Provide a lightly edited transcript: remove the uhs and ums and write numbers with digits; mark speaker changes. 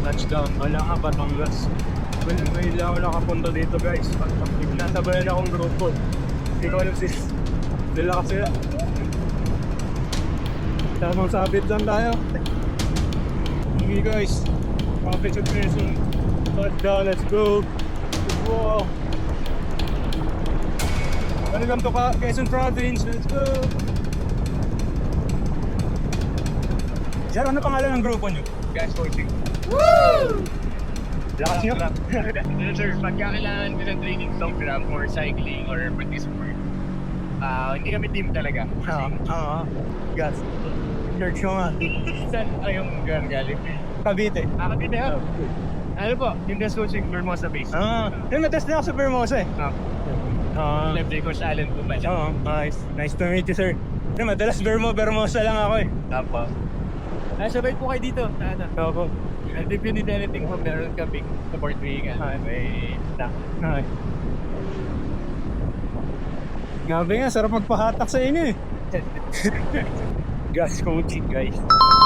Speaker 1: touchdown. Wala ka Batangas. May lang ako nakapunta dito guys. Nasabayan akong grupo. Hindi ko alam sis. Dila kasi. Tamang sabit lang tayo. Okay guys. Kapit sa person. Touchdown, let's go. Wow. Welcome to Quezon Province. Let's go. Sir, ano pangalan ng grupo nyo?
Speaker 2: Guys, coaching.
Speaker 1: Woo! Lakas nyo?
Speaker 2: Sir, pagka kailangan ko ng training program or cycling or practice sport, hindi kami team talaga.
Speaker 1: Gas. Church nyo nga.
Speaker 2: Saan yung galing?
Speaker 1: Cavite.
Speaker 2: Cavite ha? Ano po, yung guest coaching Vermosa base.
Speaker 1: Yung na-test na ako sa Vermosa eh.
Speaker 2: Left day coach Alan po ba?
Speaker 1: Nice. Nice to meet you, sir. Madalas Vermosa lang ako eh.
Speaker 2: Tapos. Sabay po kayo dito.
Speaker 1: Opo.
Speaker 2: And if you need anything po, meron kaming support wing and may staff.
Speaker 1: Grabe nga, sarap magpahatak sa inyo eh. Gas coaching guys.